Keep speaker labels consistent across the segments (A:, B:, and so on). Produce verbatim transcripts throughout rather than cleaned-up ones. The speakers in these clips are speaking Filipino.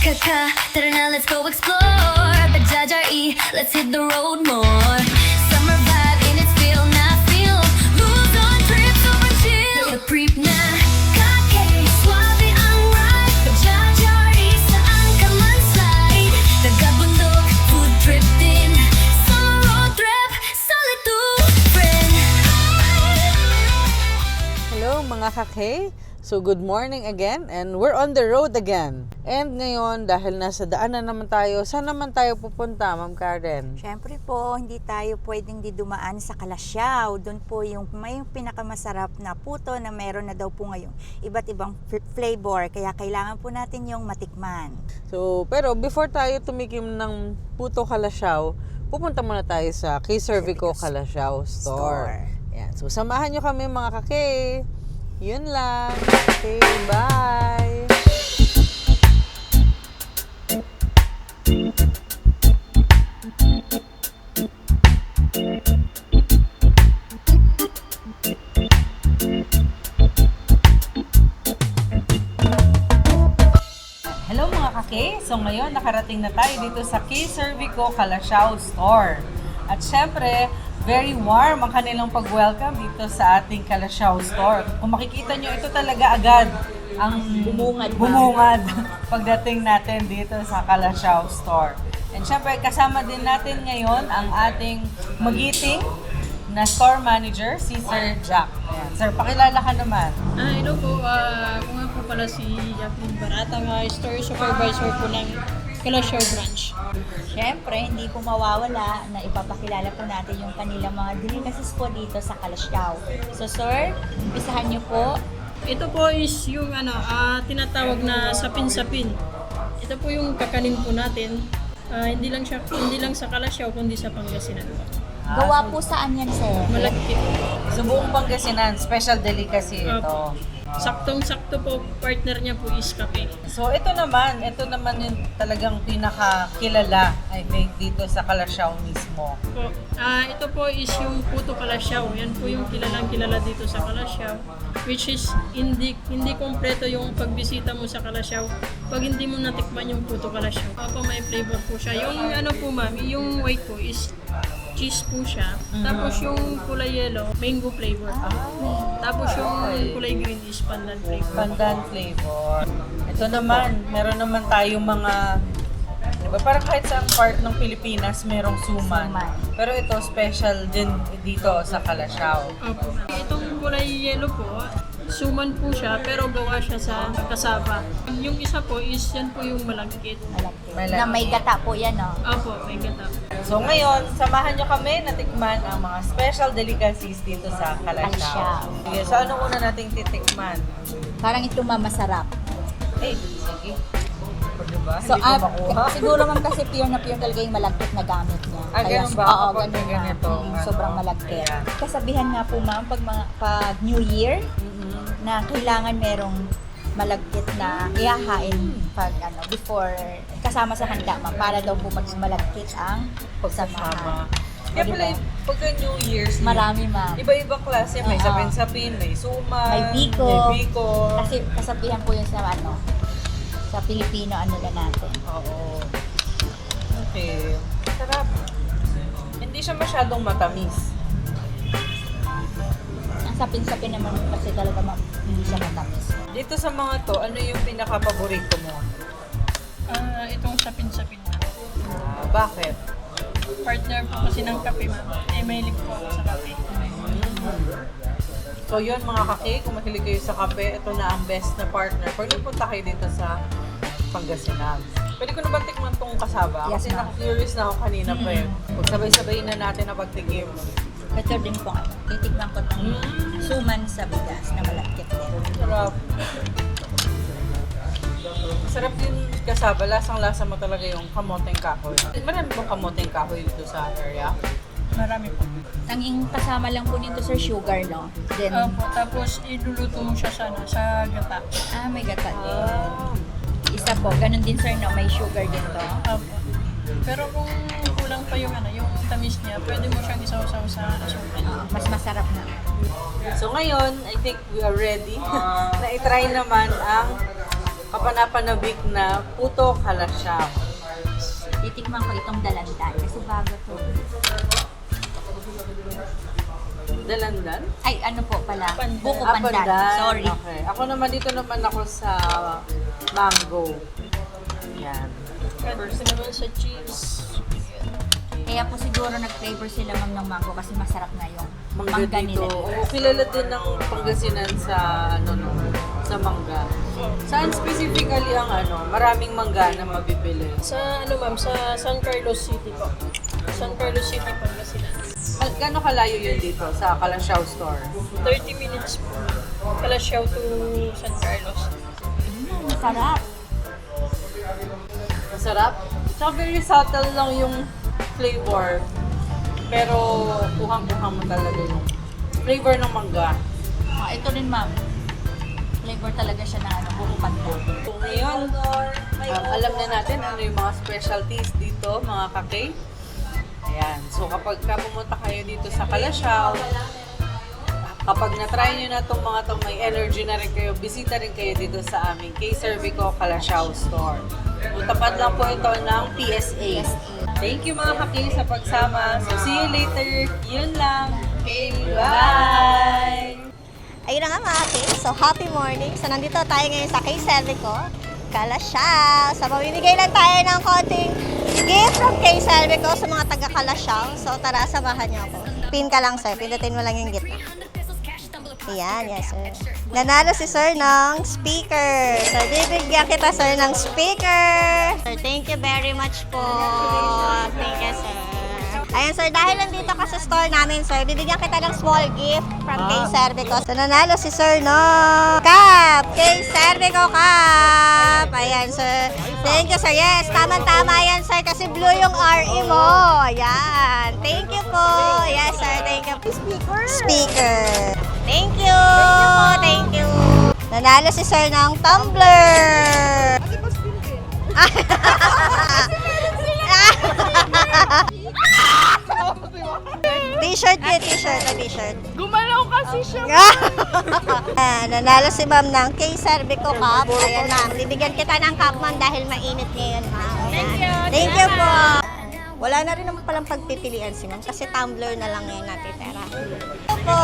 A: Kaka, tara na, let's go explore. Bajaj-e, let's hit the road more. Summer vibe in its feel, not feel. Move on, trip, super chill. Creep na, kake, suave ang ride. Bajaj-e, saan ka man slide. Tagabundok, food trip din. Summer road trip, solitude friend.
B: Hello mga kake! So good morning again and we're on the road again. And ngayon dahil nasa daanan naman tayo, saan naman tayo pupunta, Ma'am Karen?
C: Siyempre po, hindi tayo pwedeng di dumaan sa Kalasyaw. Doon po yung may pinakamasarap na puto na meron na daw po ngayon iba't ibang f- flavor. Kaya kailangan po natin yung matikman.
B: So, pero before tayo tumikim ng puto Kalasyaw, pupunta muna tayo sa Kay Cervico Kalasyaw Store.
C: Store.
B: Yan. So, samahan nyo kami mga kake. Yun lang. Okay, bye! Hello mga kake! So ngayon nakarating na tayo dito sa Kay Cervico Kalasyaw Store. At syempre, very warm ang kanilang pag-welcome dito sa ating Kalasyaw Store. Kung makikita nyo, ito talaga agad ang
C: Bumungad pa.
B: bumungad pagdating natin dito sa Kalasyaw Store. And syempre, kasama din natin ngayon ang ating magiting na store manager, si Sir Jack. Ayan. Sir, pakilala ka naman.
D: Ah, hello po. Ah, ako nga po pala si Jacqueline Barata, nga store supervisor po ng Kalasyaw branch.
C: Siyempre, hindi po mawawala na ipapakilala po natin yung kanilang mga delicacies po dito sa Kalasyaw. So sir, umpisahan niyo po.
D: Ito po is yung ano, ah, tinatawag na sapin-sapin. Ito po yung kakanin po natin. Ah, hindi lang siya hindi lang sa Kalasyaw kundi sa Pangasinan po.
C: Gawa po saan yan, sir?
D: Malagkit.
B: Sa buong Pangasinan, special delicacy ito.
D: Opo. Saktong-sakto po, partner niya po is kape.
B: So ito naman, ito naman yung talagang pinakakilala, I think, dito sa Kalasyaw mismo.
D: Po. Ah, ito po is yung Puto Kalasyaw. Yan po yung kilalang kilala dito sa Kalasyaw. Which is hindi hindi kompleto yung pagbisita mo sa Kalasyaw pag hindi mo natikman yung Puto Kalasyaw. Opo, may flavor po siya. Yung ano po ma'am, yung white po is cheese po siya. Tapos yung kulay yellow, mango flavor. Tapos yung kulay green is pandan flavor.
B: Pandan flavor. Ito naman, meron naman tayong mga, di ba, parang kahit saang part ng Pilipinas merong suman.
C: Suman.
B: Pero ito, special din dito sa Kalasyaw.
D: Opo. Itong kulay yellow po, suman po siya pero gawa siya sa kasaba. Yung isa po is yan po yung malagkit.
C: Malagkit.
B: Malagkit.
C: Na may gata po yan, no?
D: Opo, may gata.
B: So ngayon, samahan nyo kami na tikman ang mga special delicacies dito sa Kalasyaw.
C: Kalasyaw.
B: Sige, so ano una nating titikman?
C: Parang ito mamasarap.
B: Eh, sige. O, diba?
C: So,
B: Hindi ko
C: ah,
B: makuha.
C: siguro man kasi pure na pure talaga yung malagkit na gamit niya.
B: Ah, ganun ba?
C: Oo,
B: Kapag
C: ganun na.
B: ganito,
C: Mm,
B: ano?
C: sobrang malagkit.
B: Ayan.
C: Kasabihan nga po ma'am, pag, mga, pag New Year,
B: Mhm.
C: na kailangan merong malagkit na ihahain pag ano, before, kasama sa handa ma'am, para daw po mas malagkit ang
B: Pagsasama.
C: pagsamahan.
B: Kaya
C: O,
B: pala,
C: diba?
B: pagka New Year's,
C: Marami ma'am.
B: iba-ibang klase. May
C: Oo.
B: sapin-sapin, may suman,
C: May biko.
B: may biko.
C: Kasi kasabihan po yun sa ano, sa Pilipino ano na natin.
B: Oo. Okay. Sarap. Hindi siya masyadong matamis.
C: Ang sapin-sapin naman kasi talaga ma'am, hindi siya matamis.
B: Dito sa mga to, ano yung pinaka-paborito mo?
D: Ah, itong sapin-sapin na.
B: Ah, bakit?
D: Partner po kasi ng kape ma'am. Eh, mahilig po ako sa kape.
B: So yun mga kake, kung mahilig kayo sa kape, ito na ang best na partner. Pag nagpunta kayo dito sa Pangasinan. Pwede ko na ba tikman tong kasaba?
C: Yes,
B: Kasi
C: ma'am.
B: na-curious na ako kanina pa eh. Pag sabay-sabay na natin na pagtikim.
C: Ito din po ano, titikman ko itong
B: Mm.
C: suman sa bigas na malagkit din.
B: Sarap. Sarap din kasaba. Lasang-lasa mo talaga yung kamoteng kahoy. Marami bang kamoteng kahoy dito sa area?
D: Marami po.
C: Ang ing kasama lang po nito sir, sugar, no? Then,
D: Opo, tapos iluluto mo siya sana sa gata.
C: ah, may gata din.
B: Ah.
C: Isa po, ganun din sir, no? May sugar din to.
D: Opo. Pero kung kulang pa yung ano, yung tamis niya, pwede mo siyang isaw-saw sa asukal.
C: Mas masarap na.
B: So ngayon, I think we are ready na i-try naman ang kapanapanabik na puto kalasyaw.
C: Titikman ko itong dalandan kasi bago to.
B: Dalandan?
C: Ay, ano po pala?
D: Pandan.
C: Buko
B: Ah,
C: pandan.
B: pandan.
C: Sorry.
B: Okay. Ako naman dito naman ako sa mango. Yan.
D: First naman sa cheese.
C: Kaya po siguro nag-flavor sila ma'am ng mango kasi masarap na yung
B: Mangga,
C: mangga
B: dito.
C: nila.
B: Oo, kilala din ng Pangasinan sa ano no, sa mangga. Saan specifically ang ano, maraming mangga na mabibili?
D: Sa ano ma'am, sa San Carlos City po. San Carlos City, Pangasinan.
B: Al- Gano'ng kalayo yun dito sa Kalasyaw store?
D: thirty minutes po. Kalasyaw to San Carlos.
C: Mm, masarap.
B: Masarap. Tsaka very subtle lang yung flavor. Pero kuhang-kuhang mo talaga yung flavor ng mangga.
C: Ah, ito rin ma'am. Flavor talaga siya na ano, buko pandan.
B: So ngayon, um, alam na natin ano yung mga specialties dito, mga kake. Ayan. So kapag ka pumunta kayo dito sa Kalasyaw, kapag na-try nyo na itong mga itong may energy na rin kayo, bisita rin kayo dito sa aming K Cervico Kalasyaw store. So, tapat lang po ito ng P S A. Thank you mga kaki sa pagsama. So see you later. Yun lang. Okay, bye!
E: Ayun na nga mga kids. So, happy morning. So, nandito tayo ngayon sa K Cervico, Kalasyaw. So, mamimigay lang tayo ng konting gift from K Cervico sa mga taga Kalasyaw. So, tara, samahan niyo ako. Pin ka lang, sir. Pindutin mo lang yung gitna. Ayan, yes, sir. Nanalo si sir ng speaker. So, bibigyan kita, sir, ng speaker. Sir, thank you very much po. Thank you, sir. Ayan, sir, dahil nandito ka sa store namin, sir, bibigyan kita ng small gift from K Cervico. So, nanalo si sir no cup! K Cervico cup! Ayan, sir. Thank you, sir. Yes, tama-tama yan, sir, kasi blue yung R E mo. Ayan. Thank you po. Yes, sir. Thank you. Speaker. Speaker. Thank you. Thank you. Nanalo si sir ng tumbler. T-shirt yun, t-shirt, na t-shirt.
D: Gumalaw kasi siya.
E: Ah, nanalo si ma'am ng K Cervico cup. Ayan ma'am, bibigyan kita ng cup ma'am dahil mainit ngayon ma'am. Thank you. Thank you po. Wala na rin naman palang pagpipilian si ma'am kasi tumbler na lang ngayon natitira. Thank you po.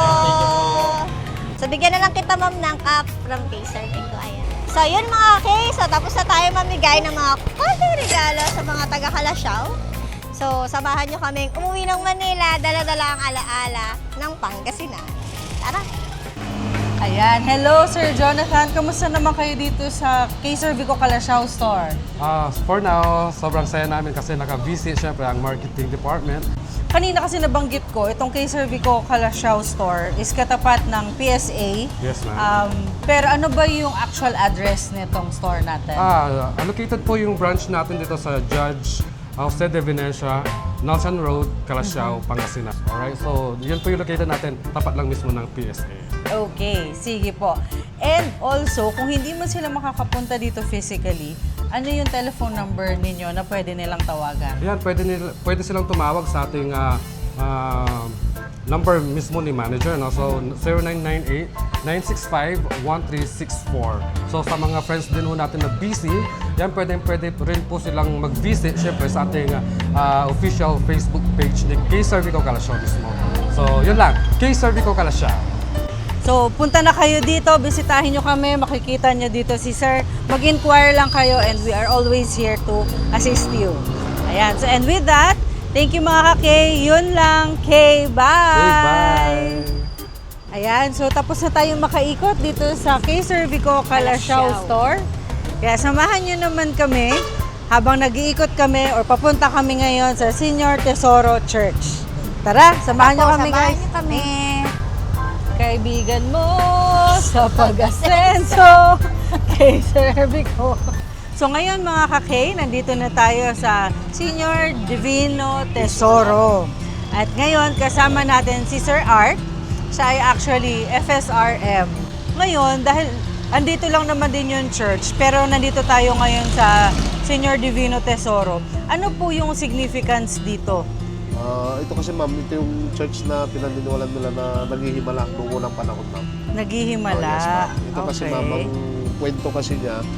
E: So bigyan na lang kita ma'am ng cup from K Cervico. Ayan. So yun mga K, so tapos na tayo mamigay ng mga konting regalo sa mga taga Kalasyaw. So, samahan nyo kaming umuwi ng Manila, dala-dala ang alaala ng Pangasinan. Tara!
B: Ayan. Hello, Sir Jonathan. Kamusta naman kayo dito sa K Cervico Kalasyaw store?
F: Ah, for now, sobrang saya namin kasi naka-visit syempre ang marketing department.
B: Kanina kasi nabanggit ko, itong K Cervico Kalasyaw store is katapat ng P S A.
F: Yes, ma'am.
B: Um, pero ano ba yung actual address nitong store natin?
F: Ah, allocated po yung branch natin dito sa Judge Jose de Venecia, Nelson Road, Kalasyaw, Pangasinan. Alright, so yun po yung located natin, tapat lang mismo ng P S A.
B: Okay, sige po. And also, kung hindi mo sila makakapunta dito physically, ano yung telephone number ninyo na pwede nilang tawagan?
F: Yan, pwede, nila, pwede silang tumawag sa ating ah, ah, number mismo ni manager, no? So, zero nine nine eight, nine six five, one three six four. So, sa mga friends din ho natin na busy, yan, pwede, pwede rin po silang mag-visit, syempre, sa ating ah, official Facebook page ni K Cervico Kalasyaw mismo. So, yun lang, K Cervico Kalasyaw.
B: So, punta na kayo dito, bisitahin nyo kami, makikita nyo dito si Sir. Mag-inquire lang kayo and we are always here to assist you. Ayan, so and with that, thank you mga ka-K. Yun lang. K, bye!
F: Okay, bye!
B: Ayan, so tapos na tayong makaikot dito sa K Cervico Kalasyaw
C: Kalasyaw.
B: store. Kaya samahan nyo naman kami habang nag-iikot kami or papunta kami ngayon sa Senior Tesoro Church. Tara, samahan nyo kami
C: Samahan
B: guys.
C: niyo kami.
B: Kaibigan mo sa pag-asenso K Cervico. So ngayon mga ka-K, nandito na tayo sa Senior Divino Tesoro. At ngayon kasama natin si Sir Art. Siya ay actually F S R M. Ngayon, dahil andito lang naman din yung church, pero nandito tayo ngayon sa Senior Divino Tesoro. Ano po yung significance dito?
G: Ah, ito kasi ma'am, ito yung church na pinaniniwalan nila na naghihimala noong unang panahon ma'am.
B: Naghihimala.
G: Oh, yes, ma'am. Ito kasi
B: Okay.
G: ma'am, ang kwento kasi niya,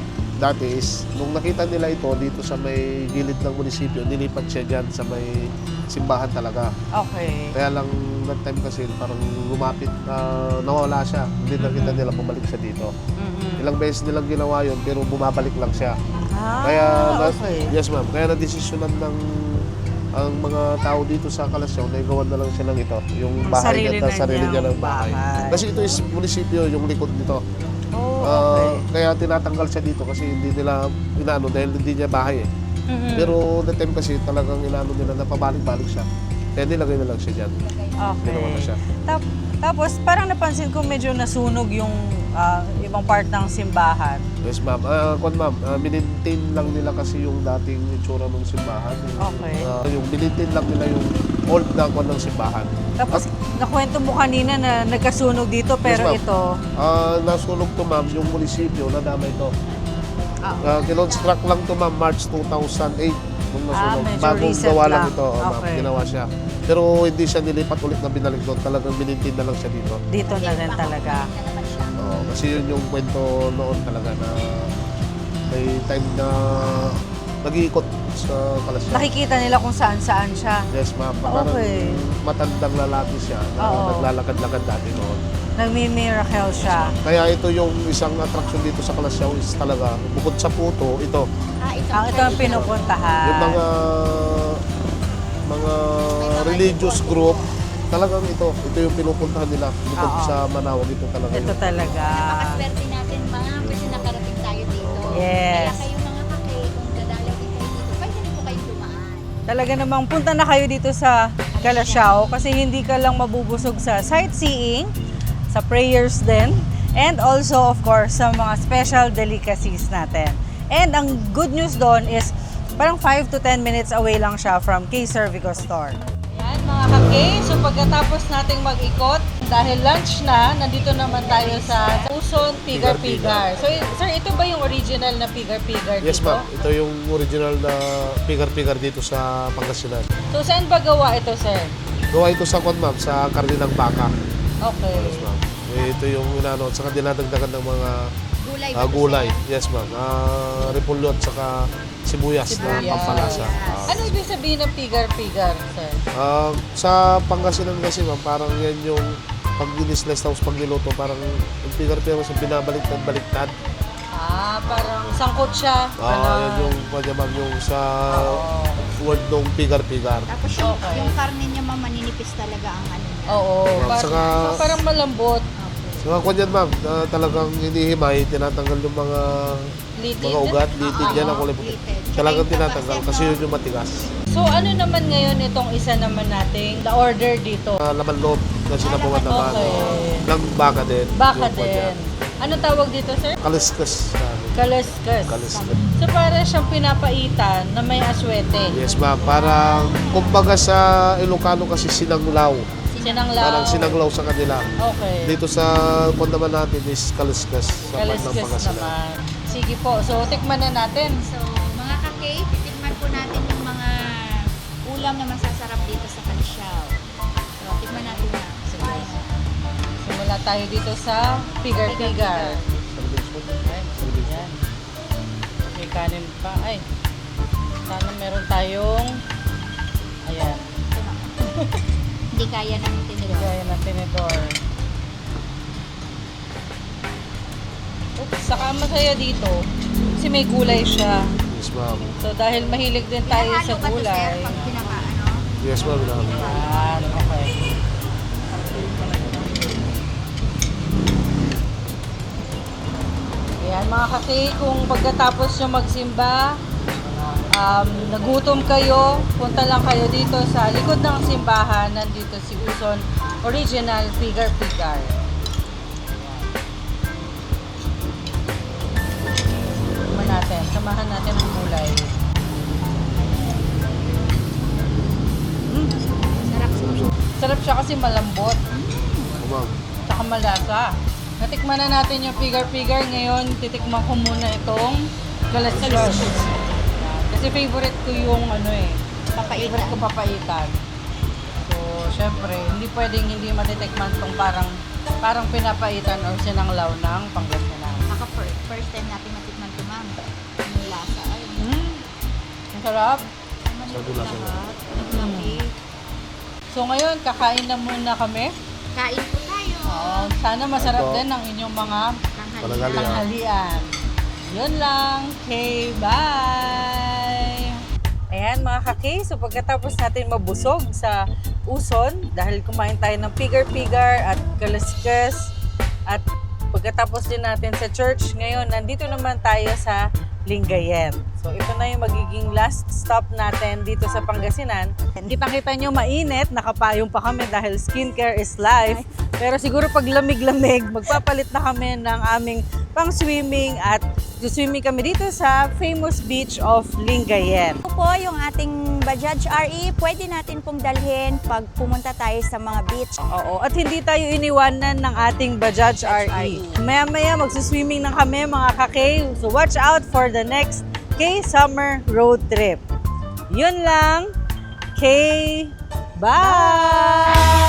G: dati is, nung nakita nila ito dito sa may gilid ng munisipyo, nilipat siya dyan sa may simbahan talaga.
B: Okay.
G: Kaya lang that time kasi parang lumapit, ah, nawala siya. Hindi nakita nila bumalik siya dito.
B: Mhm.
G: Ilang beses nilang ginawa yun, pero bumabalik lang siya.
B: Ah,
G: Kaya, na-
B: okay.
G: yes ma'am, kaya na-desisyonan ng ang mga tao dito sa Kalasyaw na igawan na lang siya ng ito, yung
B: Ang
G: bahay
B: sarili
G: niya,
B: na
G: sarili niya
B: niyang
G: ng bahay.
B: bahay.
G: Kasi ito is munisipyo, yung likod nito.
B: Oh,
G: Ah,
B: okay.
G: kaya tinatanggal siya dito kasi hindi nila inaano dahil hindi niya bahay eh.
B: Mhm.
G: Pero the time kasi talagang inaano nila na pabalik-balik siya. Kaya nilagay na lang siya dyan. Ginawa na
B: Okay.
G: siya.
B: Tap- tapos parang napansin ko medyo nasunog yung ah, ibang part ng simbahan.
G: Yes ma'am. Ah, kwan ma'am, uh, minintain lang nila kasi yung dating itsura ng simbahan.
B: Okay.
G: Ah, yung minintain lang nila yung old na kwan ng simbahan.
B: Tapos nakwento mo kanina na nagkasunog dito pero
G: ma'am.
B: ito,
G: Ah, nasunog to ma'am yung munisipyo na dama ito.
B: Ah.
G: Uh, kinonstruct lang to ma'am March two thousand eight nung
B: Ah,
G: nasunog.
B: medyo
G: Bagong
B: recent
G: gawa lang
B: lang.
G: ito, oh, ma'am.
B: Okay.
G: Ginawa siya. Pero hindi siya nilipat ulit na binalik doon. Talagang minintain na lang siya dito.
B: dito na rin talaga.
G: Oo, kasi yun yung kwento noon talaga na may time na nag-iikot sa Kalasyaw.
B: Nakikita nila kung saan-saan siya.
G: Yes ma'am. Parang
B: Okay.
G: matandang lalaki siya na
B: Oo.
G: naglalakad-lakad dati noon.
B: Nagmi-miracle siya.
G: Kaya ito yung isang attraction dito sa Kalasyaw is talaga, bukod sa puto, ito.
B: Ang ito ang pinupuntahan.
G: Yung mga mga religious group, talagang ito. Ito yung pinupuntahan nila. Bukod
B: Oo.
G: sa Manawag, ito talaga
B: Ito
G: yun.
B: talaga.
H: Napakaswerte natin, ma'am, kasi nakarating tayo dito.
B: Yes.
H: Kaya kayo mga kake, kung dadalaw din kayo dito, pwede rin po kayo dumaan.
B: Talaga namang punta na kayo dito sa Kalasyaw kasi hindi ka lang mabubusog sa sightseeing, sa prayers din, and also of course sa mga special delicacies natin. And ang good news doon is parang five to ten minutes away lang siya from K Cervico Store. Yan mga ka-K, so pagkatapos nating mag-ikot, dahil lunch na, nandito naman tayo sa Uson Pigar-Pigar. So sir, ito ba yung original na Pigar-Pigar dito?
G: Yes ma'am, ito yung original na pigar-pigar dito sa Pangasinan.
B: So saan ba gawa ito, sir?
G: Gawa ito sa kwan ma'am, sa karne ng baka.
B: Okay.
G: Yes ma'am. Eh, ito yung inano, at saka dinadagdagan ng mga
H: Gulay
G: ah,
H: ba to,
G: gulay.
H: sir?
G: Yes ma'am. Uh, repolyo at saka sibuyas, na
B: Sibuyas.
G: pampalasa. Ah.
B: Ano ibig sabihin ng pigar-pigar, sir?
G: Ah, sa Pangasinan kasi ma'am, parang yan yung pag dinislice tapos pag niluto, parang yung pigar-pigar kasi binabaliktad-baliktad.
B: Ah, parang sangkot siya.
G: Ah,
B: Ganon.
G: yan yung kanya ma'am, yung sa
B: Oo.
G: word ng pigar-pigar.
H: Tapos yung,
B: Okay.
H: yung karne niya, ma'am, maninipis talaga ang ano niya.
B: Oo. Parang,
G: Saka-
B: parang malambot.
G: Sa kwan yan ma'am, ah, talagang hinihimay, tinatanggal yung mga
B: Litid.
G: mga ugat, litid
B: Oo.
G: yan ang kulay puti.
H: Litid.
G: Talagang
H: Tsaka yung
G: tinatanggal
H: tapas
G: kasi
H: yan,
G: yun yung matigas.
B: So ano naman ngayon itong isa naman nating na-order dito?
G: Uh, laman loob na sinabawan naman.
B: Okay.
G: Ng baka din.
B: Baka
G: Yung kwan
B: din.
G: yan.
B: Ano tawag dito, sir?
G: Kaliskas. sabi.
B: Kalaskas.
G: Kaliskas.
B: So para siyang pinapaitan na may aswete.
G: Yes ma'am, parang kumbaga sa Ilocano kasi sinanglaw.
B: Sinanglaw.
G: Parang sinanglaw sa kanila.
B: Okay.
G: Dito sa kwan naman natin is kaliskas. Sa part ng
B: Kalaskas
G: Pangasinan.
B: naman. Sige po. So tikman na natin.
H: So, mga kake, titikman po natin yung mga ulam na masasarap dito sa Kalasyaw. So, tikman natin na.
B: Sige. Simula tayo dito sa pigar-pigar. Yan. May kanin pa. Ay. Sana meron tayong ayan.
H: Hindi kaya ng tinidor.
B: Gaya ng tinidor. Oops, saka ang masaya dito kasi may gulay siya.
G: Yes ma'am.
B: So dahil mahilig din tayo sa
H: Pinahalo ba to, sir,
B: gulay.
H: pag pinaka, ano?
G: Yes ma'am. Ma'am.
B: Yan, okay. Ayan mga kaki, kung pagkatapos nyo magsimba, um, nagutom kayo, punta lang kayo dito sa likod ng simbahan, nandito si Uson Original Pigar-Pigar. Samahan natin, samahan natin ang gulay. Mm,
H: Sarap.
B: sarap siya kasi malambot.
G: Oh, ma'am.
B: Tsaka malasa. Natikman na natin yung pigar-pigar. Ngayon, titikman ko muna itong kalaskas. Kasi favorite ko yung ano eh. Favorite ko papaitan. So, syempre, hindi pwedeng hindi matitikman tong parang parang pinapaitan or sinanglaw ng Pangasinan.
H: Baka fir- first time natin matikman ito, ma'am.
B: Sarap.
G: Sa gula sa
H: Lahat. Naglapi.
B: So ngayon, kakain na muna kami.
H: Kain po tayo.
B: Oo, sana masarap
G: Ito.
B: din ang inyong mga
G: Pananghalian.
B: tanghalian. Yun lang. Okay, bye! Ayan mga kaki, so pagkatapos natin mabusog sa Uson, dahil kumain tayo ng pigar-pigar at kalaskas, at pagkatapos din natin sa church, ngayon nandito naman tayo sa Lingayen. So ito na yung magiging last stop natin dito sa Pangasinan. Kita-kita nyo mainit, nakapayong pa kami dahil skincare is life. Pero siguro pag lamig-lamig, magpapalit na kami ng aming pang-swimming at swimming kami dito sa famous beach of Lingayen.
C: Ito po yung ating Bajaj R E, pwede natin pong dalhin pag pumunta tayo sa mga beach.
B: Oo, at hindi tayo iniwanan ng ating Bajaj R E. Maya-maya magsuswimming na kami mga kake. So watch out for the next K-Summer Road Trip. Yun lang. K. Bye!